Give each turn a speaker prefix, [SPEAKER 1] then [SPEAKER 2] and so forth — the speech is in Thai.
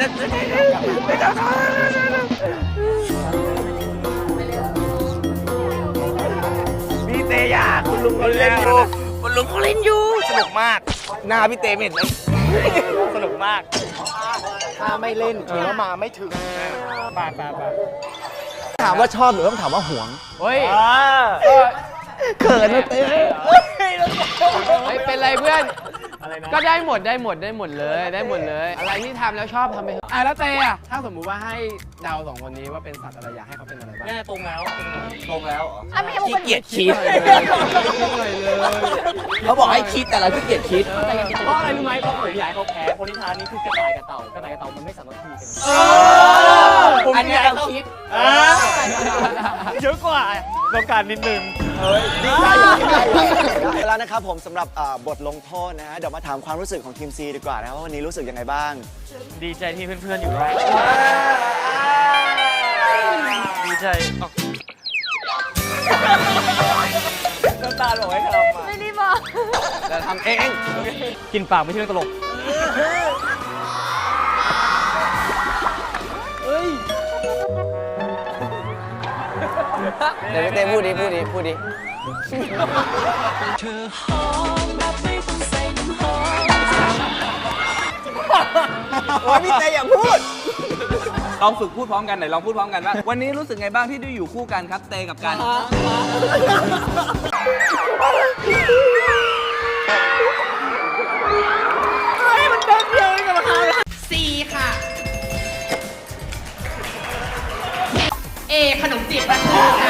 [SPEAKER 1] พี่เตยาคุณลุงเขาเล่นอยู่คุณลุงเขาเล่นอยู่สนุกมากหน้าพี่เตไม่เห็นเลยสนุกมากถ้าไม่เล่นถือว่ามาไม่ถึงปา
[SPEAKER 2] ถามว่าชอบหรือต้องถามว่าหวง
[SPEAKER 3] เฮ้ย
[SPEAKER 2] เขินนะเต้
[SPEAKER 3] ไม่เป็นไรเพื่อนก็ได้หมดเลยอะไรที่ทำแล้วชอบทำไปเถอะแล้วเต้อะถ้าสมมุติว่าให้เดาสองคนนี้ว่าเป็นสัตว์อะไรอยากให้เขาเป็นอะไรบ้าง
[SPEAKER 1] แน่ตรงแล้วเหรอ
[SPEAKER 4] ขี้เกียจคิด
[SPEAKER 2] เขาบอกให้คิดแต่เราขี้เกียจคิด
[SPEAKER 1] เพราะอะไรรู้ไหมเพราะผมอยากให้เขาแพ้คนที่ทานนี้คือกระต่ายกับเต่ากระต่ายกับเต่ามันไม่สามารถคุยกันอันนี้เราคิดเยอะกว่าต้องการนิดนึง
[SPEAKER 2] แล้วนะครับผมสำหรับบทลงโทษนะฮะเดี๋ยวมาถามความรู้สึกของทีมซีดีกว่านะครับว่าวันนี้รู้สึกยังไงบ้าง
[SPEAKER 1] ดีใจที่เพื่อนๆอยู่ด้วยดีใจน้ำตาบอกให้ทำมา
[SPEAKER 4] ไม่ได้บอก
[SPEAKER 2] แต่ทำเอง
[SPEAKER 1] กินปากไม่ใช่เรื่องตลก
[SPEAKER 2] เดี๋ยวเต้พูดดิโอ้ยพี่เต้อย่าพูด
[SPEAKER 5] ลองฝึกพูดพร้อมกันหน่อยลองพูดพร้อมกันว่าวันนี้รู้สึกไงบ้างที่ได้อยู่คู่กันครับเตกับกัน
[SPEAKER 4] ค่ะ เอขนมจีบปลาทู